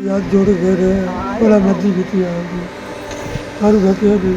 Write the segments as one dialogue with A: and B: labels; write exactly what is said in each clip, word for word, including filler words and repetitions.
A: यार जोड़ के रहे बड़ा मर्जी की थी आपकी हर घटिया भी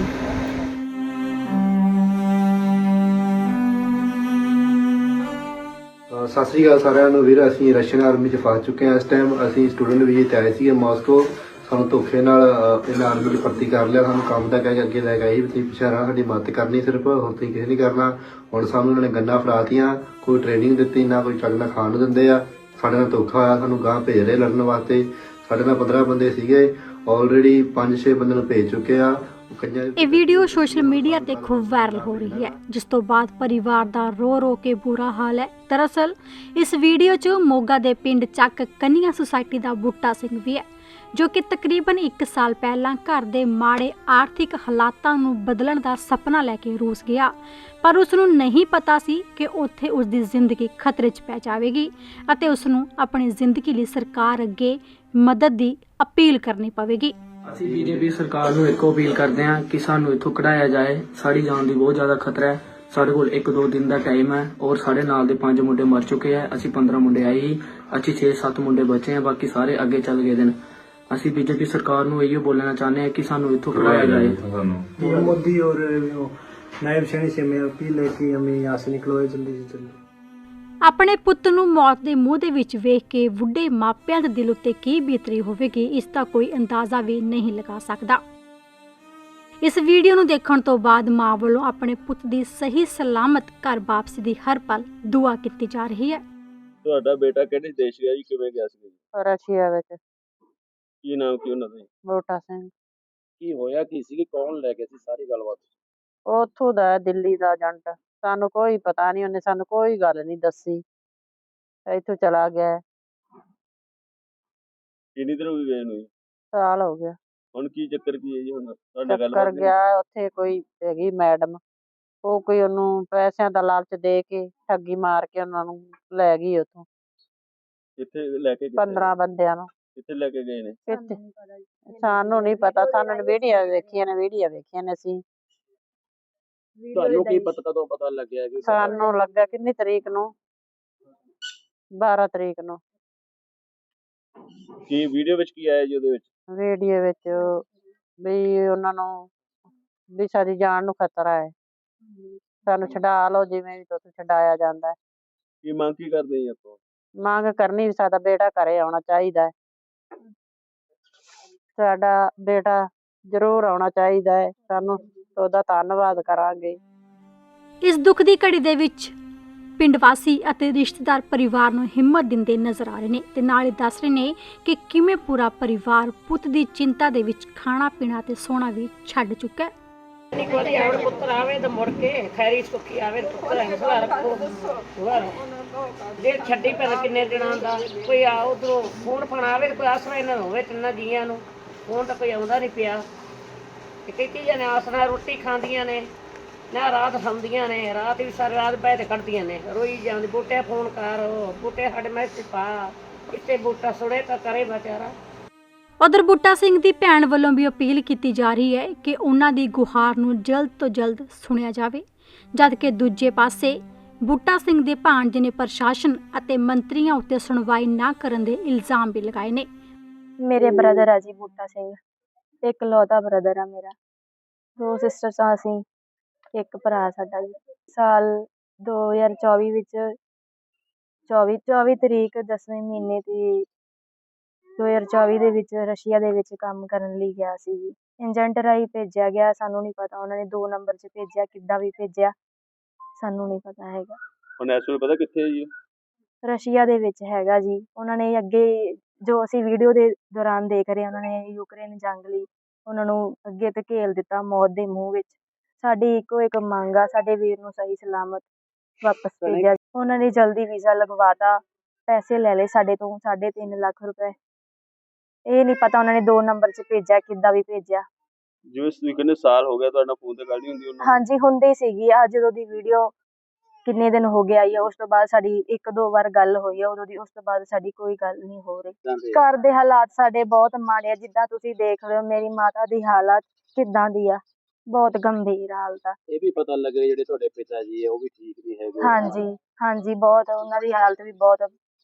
B: ਅ, ਸਤਿ ਸ਼੍ਰੀ ਅਕਾਲ ਸਾਰਿਆਂ ਨੂੰ ਵੀਰ। ਅਸੀਂ ਰਸ਼ੀਅਨ ਆਰਮੀ 'ਚ ਫਸ ਚੁੱਕੇ ਹਾਂ। ਇਸ ਟਾਈਮ ਅਸੀਂ ਸਟੂਡੈਂਟ ਵੀਜ਼ੇ 'ਤੇ ਆਏ ਸੀਗੇ ਮਾਸਕੋ। ਸਾਨੂੰ ਧੋਖੇ ਨਾਲ ਅ, ਇਹਨਾਂ ਆਰਮੀ 'ਚ ਭਰਤੀ ਕਰ ਲਿਆ। ਸਾਨੂੰ ਕੰਮ ਦਾ ਕਹਿ ਕੇ ਅੱਗੇ ਲੈ ਕੇ ਆਈ ਵੀ ਤੁਸੀਂ ਪਿੱਛੇ ਰਹਿਣਾ, ਸਾਡੀ ਮਦਦ ਕਰਨੀ ਸਿਰਫ, ਹੋਰ ਤੁਸੀਂ ਕਿਸੇ ਨਹੀਂ ਕਰਨਾ। ਹੁਣ ਸਾਨੂੰ ਉਹਨਾਂ ਨੇ ਗੰਨਾਂ ਫੜਾਤੀਆਂ, ਕੋਈ ਟ੍ਰੇਨਿੰਗ ਦਿੱਤੀ ਨਾ, ਕੋਈ ਚੱਜ ਨਾਲ ਖਾਣ ਨੂੰ ਦਿੰਦੇ ਆ। ਸਾਡੇ ਨਾਲ ਧੋਖਾ ਹੋਇਆ, ਸਾਨੂੰ ਗਾਂਹ ਭੇਜ ਰਹੇ ਲੜਨ ਵਾਸਤੇ। ਸਾਡੇ ਨਾਲ ਪੰਦਰਾਂ ਬੰਦੇ ਸੀਗੇ, ਆਲਰੇਡੀ ਪੰਜ ਛੇ ਬੰਦੇ ਨੂੰ ਭੇਜ ਚੁੱਕੇ ਆ।
C: ਇਹ ਵੀਡੀਓ ਸੋਸ਼ਲ ਮੀਡੀਆ ਤੇ ਖੂਬ ਵਾਇਰਲ ਹੋ ਰਹੀ ਹੈ, ਜਿਸ ਤੋਂ ਬਾਅਦ ਪਰਿਵਾਰ ਦਾ ਰੋ ਰੋ ਕੇ ਬੁਰਾ ਹਾਲ ਹੈ। ਦਰਅਸਲ ਇਸ ਵੀਡੀਓ 'ਚ ਮੋਗਾ ਦੇ ਪਿੰਡ ਚੱਕ ਕੰਨੀਆ ਸੁਸਾਇਟੀ ਦਾ ਬੂਟਾ ਸਿੰਘ ਵੀ ਹੈ, ਜੋ ਕਿ ਤਕਰੀਬਨ ਇੱਕ ਸਾਲ ਪਹਿਲਾਂ ਘਰ ਦੇ ਮਾੜੇ ਆਰਥਿਕ ਹਾਲਾਤਾਂ ਨੂੰ ਬਦਲਣ ਦਾ ਸੁਪਨਾ ਲੈ ਕੇ ਰੂਸ ਗਿਆ, ਪਰ ਉਸ ਨੂੰ ਨਹੀਂ ਪਤਾ ਸੀ ਕਿ ਉੱਥੇ ਉਸ ਦੀ ਜ਼ਿੰਦਗੀ ਖਤਰੇ 'ਚ ਪੈ ਜਾਵੇਗੀ ਅਤੇ ਉਸ ਨੂੰ ਆਪਣੀ ਜ਼ਿੰਦਗੀ ਲਈ ਸਰਕਾਰ ਅੱਗੇ ਮਦਦ ਦੀ ਅਪੀਲ ਕਰਨੀ ਪਵੇਗੀ।
D: ਅਸੀਂ ਬੀਜੇਪੀ ਸਰਕਾਰ ਨੂੰ ਇੱਕੋ ਅਪੀਲ ਕਰਦੇ ਹਾਂ ਕਿ ਸਾਨੂੰ ਇੱਥੋਂ ਕਢਾਇਆ ਜਾਏ। ਸਾਡੀ ਜਾਨ ਦੀ ਬਹੁਤ ਜ਼ਿਆਦਾ ਖਤਰਾ ਹੈ। ਸਾਡੇ ਕੋਲ ਇੱਕ ਦੋ ਦਿਨ ਦਾ ਟਾਈਮ ਹੈ ਔਰ ਸਾਡੇ ਨਾਲ ਦੇ ਪੰਜ ਮੁੰਡੇ ਮਰ ਚੁੱਕੇ ਹੈ। ਅਸੀਂ ਪੰਦਰਾਂ ਮੁੰਡੇ ਆਏ ਹੀ, ਅਸੀਂ ਛੇ ਸੱਤ ਮੁੰਡੇ ਬਚੇ ਹਾਂ, ਬਾਕੀ ਸਾਰੇ ਅੱਗੇ ਚੱਲ ਗਏ ਨੇ। ਅਸੀਂ ਬੀਜੇਪੀ ਸਰਕਾਰ ਨੂੰ ਇਹੋ ਬੋਲਣਾ ਚਾਹੁੰਦੇ ਹਾਂ ਕਿ ਸਾਨੂੰ ਇੱਥੋਂ ਕਢਾਇਆ जाए।
A: मोदी और नायब सैनी से मैं अपील है कि हमें यहाँ से निकलवाए जल्दी से जल्दी।
C: ਆਪਣੇ ਪੁੱਤ ਨੂੰ ਮੌਤ ਦੇ ਮੂੰਹ ਦੇ ਵਿੱਚ ਵੇਖ ਕੇ ਬੁੱਢੇ ਮਾਪਿਆਂ ਦੇ ਦਿਲ ਉੱਤੇ ਕੀ ਬੀਤਰੀ ਹੋਵੇਗੀ, ਇਸ ਦਾ ਕੋਈ ਅੰਦਾਜ਼ਾ ਵੀ ਨਹੀਂ ਲਗਾ ਸਕਦਾ। ਇਸ ਵੀਡੀਓ ਨੂੰ ਦੇਖਣ ਤੋਂ ਬਾਅਦ ਮਾਂ ਵੱਲੋਂ ਆਪਣੇ ਪੁੱਤ ਦੀ ਸਹੀ ਸਲਾਮਤ ਘਰ ਵਾਪਸੀ ਦੀ ਹਰ ਪਲ ਦੁਆ ਕੀਤੀ ਜਾ ਰਹੀ ਹੈ।
E: ਤੁਹਾਡਾ ਬੇਟਾ ਕਿਹੜੇ ਦੇਸ਼ ਗਿਆ ਜੀ, ਕਿਵੇਂ ਗਿਆ ਸੀ ਜੀ?
F: ਰਸ਼ੀਆ ਵਿੱਚ।
E: ਕੀ ਨਾਮ ਕੀ ਉਹਨਾਂ ਦਾ ਜੀ?
F: ਬੂਟਾ ਸਿੰਘ।
E: ਕੀ ਹੋਇਆ ਕੀ ਸੀ, ਕੌਣ ਲੈ ਕੇ ਸੀ, ਸਾਰੀ ਗੱਲਬਾਤ?
F: ਉੱਥੋਂ ਦਾ ਹੈ, ਦਿੱਲੀ ਦਾ ਏਜੰਟ। ਸਾਨੂੰ ਕੋਈ ਪਤਾ ਨਹੀਂ, ਉਹਨੇ ਸਾਨੂੰ ਕੋਈ ਗੱਲ ਨਹੀਂ ਦੱਸੀ, ਇੱਥੋਂ ਚਲਾ ਗਿਆ।
E: ਕਿੰਨੀ ਦੇਰ ਹੋ ਗਈ ਗਏ ਨੂੰ ਜੀ?
F: ਸਾਲ ਹੋ ਗਿਆ।
E: ਹੁਣ ਕੀ ਚੱਕਰ ਕੀ ਹੈ ਜੀ? ਹੁਣ ਤੁਹਾਡੇ
F: ਚੱਕਰ
E: ਗੱਲਬਾਤ
F: ਗਿਆ, ਉੱਥੇ ਕੋਈ ਹੈਗੀ ਮੈਡਮ, ਉਹ ਕੋਈ ਉਹਨੂੰ ਪੈਸਿਆਂ ਦਾ ਲਾਲਚ ਦੇ ਕੇ ਠੱਗੀ ਮਾਰ ਕੇ ਉਹਨਾਂ ਨੂੰ ਲੈ ਗਈ ਉੱਥੋਂ।
E: ਕਿੱਥੇ ਲੈ ਕੇ ਗਏ?
F: ਪੰਦਰਾਂ ਬੰਦਿਆਂ ਨੂੰ।
E: ਕਿੱਥੇ ਲੈ ਕੇ ਗਏ ਨੇ?
F: ਕਿੱਥੇ ਸਾਨੂੰ ਨਹੀਂ ਪਤਾ, ਸਾਨੂੰ ਵੀਡੀਓ ਵੇਖੀਆਂ ਨੇ, ਵੀਡੀਓ ਵੇਖੀਆਂ ਨੇ ਅਸੀਂ।
E: ਤੁਹਾਨੂੰ ਕੀ ਪਤਾ, ਕਦੋਂ ਪਤਾ ਲੱਗਿਆ ਕਿ
F: ਸਾਨੂੰ ਲੱਗਾ ਕਿੰਨੀ ਤਰੀਕ ਨੂੰ, ਬਾਰਾਂ ਤਰੀਕ ਨੂੰ।
E: ਕੀ ਵੀਡੀਓ ਵਿੱਚ ਕੀ ਆਇਆ ਜੀ ਉਹਦੇ ਵਿੱਚ?
F: ਵੀਡੀਓ ਵਿੱਚ ਵੀ ਉਹਨਾਂ ਨੂੰ ਵੀ ਸਾਡੀ ਜਾਨ ਨੂੰ ਖਤਰਾ ਹੈ, ਸਾਨੂੰ ਛਡਾ ਲਓ, ਜਿਵੇਂ ਵੀ ਤੁਸੀਂ ਛਡਾਇਆ ਜਾਂਦਾ ਹੈ।
E: ਕੀ ਮੰਗ ਕੀ ਕਰਦੇ ਜੀ ਆਪਾਂ?
F: ਮੰਗ ਕਰਨੀ ਵੀ ਸਾਡਾ ਬੇਟਾ ਘਰੇ ਆਉਣਾ ਚਾਹੀਦਾ ਹੈ, ਸਾਡਾ ਬੇਟਾ ਜ਼ਰੂਰ ਆਉਣਾ ਚਾਹੀਦਾ ਹੈ, ਸਾਨੂੰ ਉਹਦਾ ਧੰਨਵਾਦ ਕਰਾਂਗੇ।
C: ਇਸ ਦੁੱਖ ਦੀ ਘੜੀ ਦੇ ਵਿੱਚ ਪਿੰਡ ਵਾਸੀ ਅਤੇ ਰਿਸ਼ਤੇਦਾਰ ਪਰਿਵਾਰ ਨੂੰ ਹਿੰਮਤ ਦਿੰਦੇ ਨਜ਼ਰ ਆ ਰਹੇ ਨੇ ਤੇ ਨਾਲ ਹੀ ਦੱਸ ਰਹੇ ਨੇ ਕਿ ਕਿਵੇਂ ਪੂਰਾ ਪਰਿਵਾਰ ਪੁੱਤ ਦੀ ਚਿੰਤਾ ਦੇ ਵਿੱਚ ਖਾਣਾ ਪੀਣਾ ਤੇ ਸੋਣਾ ਵੀ ਛੱਡ ਚੁੱਕਾ ਹੈ।
G: ਇੱਕ ਵਾਰੀ ਆਵੜ ਪੁੱਤਰ ਆਵੇ ਤਾਂ ਮੁੜ ਕੇ ਖੈਰੀ ਸੁੱਖੀ ਆਵੇ, ਪੁੱਤਰ ਹੌਸਲਾ ਰੱਖੋ। ਜੇ ਛੱਡੀ ਪਹਿਲਾਂ ਕਿੰਨੇ ਦਿਨਾਂ ਦਾ ਕੋਈ ਆ ਉਧਰੋਂ ਫੋਨ ਫਣ ਆਵੇ, ਕੋਈ ਆਸਰਾ ਇਹਨਾਂ ਨੂੰ ਹੋਵੇ ਤਿੰਨਾਂ ਜੀਆਂ ਨੂੰ। ਫੋਨ ਤਾਂ ਕੋਈ ਆਉਂਦਾ ਨਹੀਂ ਪਿਆ ਤੇ ਕਈ ਚੀਜ਼ਾਂ ਨੇ ਆਸਰਾ ਰੋਟੀ ਖਾਂਦੀਆਂ ਨੇ ਨਾ, ਰਾਤ ਸੌਂਦੀਆਂ ਨੇ, ਰਾਤ ਵੀ ਸਾਰੀ ਰਾਤ ਬਹਿ ਤੇ ਕੱਢਦੀਆਂ ਨੇ, ਰੋਈ ਜਾਂਦੀ ਬੂਟੇ ਫੋਨ ਕਰ, ਬੂਟੇ ਸਾਡੇ ਮੈਸੇਜ ਪਾ, ਕਿਤੇ ਬੂਟਾ ਸੁੜੇ ਤਾਂ ਕਰੇ ਵਿਚਾਰਾ।
C: ਉਧਰ ਬੂਟਾ ਸਿੰਘ ਦੀ ਭੈਣ ਵੱਲੋਂ ਵੀ ਅਪੀਲ ਕੀਤੀ ਜਾ ਰਹੀ ਹੈ ਕਿ ਉਹਨਾਂ ਦੀ ਗੁਹਾਰ ਨੂੰ ਜਲਦ ਤੋਂ ਜਲਦ ਸੁਣਿਆ ਜਾਵੇ, ਜਦ ਕਿ ਦੂਜੇ ਪਾਸੇ ਬੂਟਾ ਸਿੰਘ ਦੇ ਭਾਣਜੇ ਨੇ ਪ੍ਰਸ਼ਾਸਨ ਅਤੇ ਮੰਤਰੀਆਂ ਉੱਤੇ ਸੁਣਵਾਈ ਨਾ ਕਰਨ ਦੇ ਇਲਜ਼ਾਮ ਵੀ ਲਗਾਏ ਨੇ।
H: ਮੇਰੇ ਬ੍ਰਦਰ ਆ ਜੀ ਬੂਟਾ ਸਿੰਘ, ਇੱਕ ਲੌਤਾ ਬ੍ਰਦਰ ਆ ਮੇਰਾ, ਦੋ ਸਿਸਟਰਸ ਆ ਅਸੀਂ, ਇੱਕ ਭਰਾ ਸਾਡਾ ਜੀ। ਸਾਲ ਦੋ ਹਜ਼ਾਰ ਚੌਵੀ ਵਿੱਚ ਚੌਵੀ ਚੌਵੀ ਤਰੀਕ ਦਸਵੇਂ ਮਹੀਨੇ ਦੀ ਦੋ ਹਜ਼ਾਰ ਚੌਵੀ ਦੇ ਵਿੱਚ ਰਸ਼ੀਆ ਦੇ ਵਿੱਚ ਕੰਮ ਕਰਨ ਲਈ ਗਿਆ ਸੀ ਜੀ। ਏਜੰਟ ਰਾਹੀਂ ਭੇਜਿਆ ਗਿਆ, ਸਾਨੂੰ ਨਹੀਂ ਪਤਾ ਉਹਨਾਂ ਨੇ ਦੋ ਨੰਬਰ 'ਚ ਭੇਜਿਆ, ਕਿੱਦਾਂ ਵੀ ਭੇਜਿਆ ਸਾਨੂੰ ਨਹੀਂ ਪਤਾ ਹੈਗਾ।
E: ਹੁਣ ਇਸ ਵੇਲੇ ਪਤਾ ਕਿੱਥੇ ਹੈ ਜੀ?
H: ਰਸ਼ੀਆ ਦੇ ਵਿੱਚ ਹੈਗਾ ਜੀ। ਉਹਨਾਂ ਨੇ ਅੱਗੇ ਜੋ ਅਸੀਂ ਵੀਡੀਓ ਦੇ ਦੌਰਾਨ ਦੇਖ ਰਹੇ, ਉਹਨਾਂ ਨੇ ਯੂਕਰੇਨ ਜੰਗ ਲਈ ਉਹਨਾਂ ਨੂੰ ਅੱਗੇ ਧਕੇਲ ਦਿੱਤਾ ਮੌਤ ਦੇ ਮੂੰਹ ਵਿੱਚ। ਸਾਡੀ ਇੱਕੋ ਇੱਕ ਮੰਗ ਆ, ਸਾਡੇ ਵੀਰ ਨੂੰ ਸਹੀ ਸਲਾਮਤ ਵਾਪਸ ਭੇਜਿਆ। ਉਹਨਾਂ ਨੇ ਜਲਦੀ ਵੀਜ਼ਾ ਲਗਵਾਤਾ, ਪੈਸੇ ਲੈ ਲਏ ਸਾਡੇ ਤੋਂ ਸਾਢੇ ਤਿੰਨ ਲੱਖ ਰੁਪਏ। ਇਹ ਨਹੀਂ ਪਤਾ ਉਹਨਾਂ ਨੇ ਦੋ ਨੰਬਰ 'ਚ ਭੇਜਿਆ, ਕਿੱਦਾਂ ਵੀ ਭੇਜਿਆ।
E: ਜਿਵੇਂ ਤੁਸੀਂ ਕਹਿੰਦੇ ਸਾਲ ਹੋ ਗਿਆ, ਤੁਹਾਡਾ ਫੋਨ ਤੇ ਗੱਲ ਨਹੀਂ ਹੁੰਦੀ ਉਹਨਾਂ ਨਾਲ?
H: ਹਾਂਜੀ ਹੁੰਦੀ ਸੀਗੀ, ਆ ਜਦੋਂ ਦੀ ਵੀਡੀਓ ਕਿੰਨੇ ਦਿਨ ਹੋ ਗਏ ਆਈ ਆ, ਉਸ ਤੋਂ ਬਾਅਦ ਸਾਡੀ ਇੱਕ ਦੋ ਵਾਰ ਗੱਲ ਹੋਈ ਆ ਉਦੋਂ ਦੀ, ਉਸ ਤੋਂ ਬਾਅਦ ਸਾਡੀ ਕੋਈ ਗੱਲ ਨਹੀਂ ਹੋ ਰਹੀ। ਘਰ ਦੇ ਹਾਲਾਤ ਸਾਡੇ ਬਹੁਤ ਮਾੜੇ ਆ, ਜਿੱਦਾਂ ਤੁਸੀਂ ਦੇਖ ਰਹੇ ਹੋ ਮੇਰੀ ਮਾਤਾ ਦੀ ਹਾਲਤ ਕਿੱਦਾਂ ਦੀ ਆ, ਬਹੁਤ ਗੰਭੀਰ ਹਾਲਤ ਆ।
E: ਇਹ ਵੀ ਪਤਾ ਲੱਗ ਰਿਹਾ ਜਿਹੜੇ ਤੁਹਾਡੇ ਪਿਤਾ ਜੀ ਹੈ ਉਹ ਵੀ ਠੀਕ ਨਹੀਂ ਹੈਗੇ।
H: ਹਾਂਜੀ ਹਾਂਜੀ ਬਹੁਤ, ਉਹਨਾਂ ਦੀ ਹਾਲਤ ਵੀ ਬਹੁਤ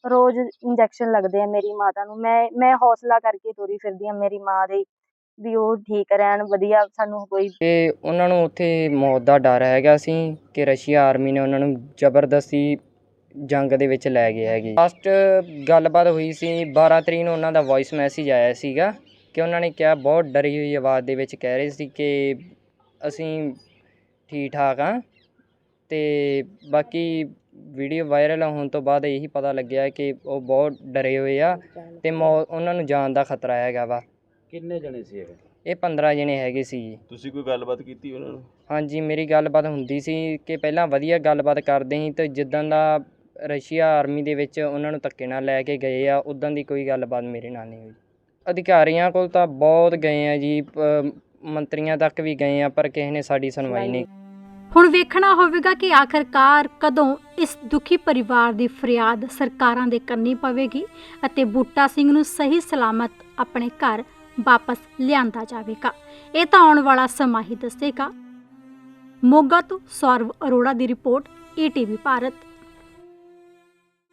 H: ਰੋਜ਼ ਇੰਜੈਕਸ਼ਨ ਲੱਗਦੇ ਆ ਮੇਰੀ ਮਾਤਾ ਨੂੰ। ਮੈਂ ਮੈਂ ਹੌਸਲਾ ਕਰਕੇ ਤੁਰੀ ਫਿਰਦੀ ਹਾਂ ਮੇਰੀ ਮਾਂ ਦੇ ਵੀ ਉਹ ਠੀਕ ਰਹਿਣ, ਵਧੀਆ, ਸਾਨੂੰ ਕੋਈ
I: ਤੇ ਉਹਨਾਂ ਨੂੰ ਉੱਥੇ ਮੌਤ ਦਾ ਡਰ ਹੈਗਾ ਸੀ ਕਿ ਰਸ਼ੀਆ ਆਰਮੀ ਨੇ ਉਹਨਾਂ ਨੂੰ ਜ਼ਬਰਦਸਤੀ ਜੰਗ ਦੇ ਵਿੱਚ ਲੈ ਗਏ ਹੈਗੇ। ਲਾਸਟ ਗੱਲਬਾਤ ਹੋਈ ਸੀ ਬਾਰਾਂ ਤਰੀਕ ਨੂੰ, ਉਹਨਾਂ ਦਾ ਵੌਇਸ ਮੈਸੇਜ ਆਇਆ ਸੀਗਾ ਕਿ ਉਹਨਾਂ ਨੇ ਕਿਹਾ, ਬਹੁਤ ਡਰੀ ਹੋਈ ਆਵਾਜ਼ ਦੇ ਵਿੱਚ ਕਹਿ ਰਹੇ ਸੀ ਕਿ ਅਸੀਂ ਠੀਕ ਠਾਕ ਹਾਂ। ਅਤੇ ਬਾਕੀ ਵੀਡੀਓ ਵਾਇਰਲ ਹੋਣ ਤੋਂ ਬਾਅਦ ਇਹੀ ਪਤਾ ਲੱਗਿਆ ਕਿ ਉਹ ਬਹੁਤ ਡਰੇ ਹੋਏ ਆ ਅਤੇ ਮੌ ਉਹਨਾਂ ਨੂੰ ਜਾਨ ਦਾ ਖਤਰਾ ਹੈਗਾ ਵਾ।
E: ਕਿੰਨੇ ਜਣੇ ਸੀ ਇਹ?
I: ਇਹ ਪੰਦਰਾਂ ਜਣੇ ਹੈਗੇ ਸੀ ਜੀ।
E: ਤੁਸੀਂ ਕੋਈ ਗੱਲਬਾਤ ਕੀਤੀ ਉਹਨਾਂ ਨੂੰ?
I: ਹਾਂਜੀ, ਮੇਰੀ ਗੱਲਬਾਤ ਹੁੰਦੀ ਸੀ ਕਿ ਪਹਿਲਾਂ ਵਧੀਆ ਗੱਲਬਾਤ ਕਰਦੇ ਸੀ, ਅਤੇ ਜਿੱਦਾਂ ਦਾ ਰਸ਼ੀਆ ਆਰਮੀ ਦੇ ਵਿੱਚ ਉਹਨਾਂ ਨੂੰ ਧੱਕੇ ਨਾਲ ਲੈ ਕੇ ਗਏ ਆ, ਉੱਦਾਂ ਦੀ ਕੋਈ ਗੱਲਬਾਤ ਮੇਰੇ ਨਾਲ ਨਹੀਂ ਹੋਈ। ਅਧਿਕਾਰੀਆਂ ਕੋਲ ਤਾਂ ਬਹੁਤ ਗਏ ਆ ਜੀ, ਮੰਤਰੀਆਂ ਤੱਕ ਵੀ ਗਏ ਆ, ਪਰ ਕਿਸੇ ਨੇ ਸਾਡੀ ਸੁਣਵਾਈ ਨਹੀਂ।
C: ਹੁਣ ਵੇਖਣਾ ਹੋਵੇਗਾ ਕਿ ਆਖਰਕਾਰ ਕਦੋਂ ਇਸ ਦੁਖੀ ਪਰਿਵਾਰ ਦੀ ਫਰਿਆਦ ਸਰਕਾਰਾਂ ਦੇ ਕੰਨੀ ਪਵੇਗੀ ਅਤੇ ਬੂਟਾ ਸਿੰਘ ਨੂੰ ਸਹੀ ਸਲਾਮਤ ਆਪਣੇ ਘਰ ਵਾਪਸ ਲਿਆਂਦਾ ਜਾਵੇਗਾ। ਇਹ ਤਾਂ ਆਉਣ ਵਾਲਾ ਸਮਾਂ ਹੀ ਦੱਸੇਗਾ। ਮੋਗਾ ਤੋਂ ਸੌਰਵ ਅਰੋੜਾ ਦੀ report, E T V Bharat.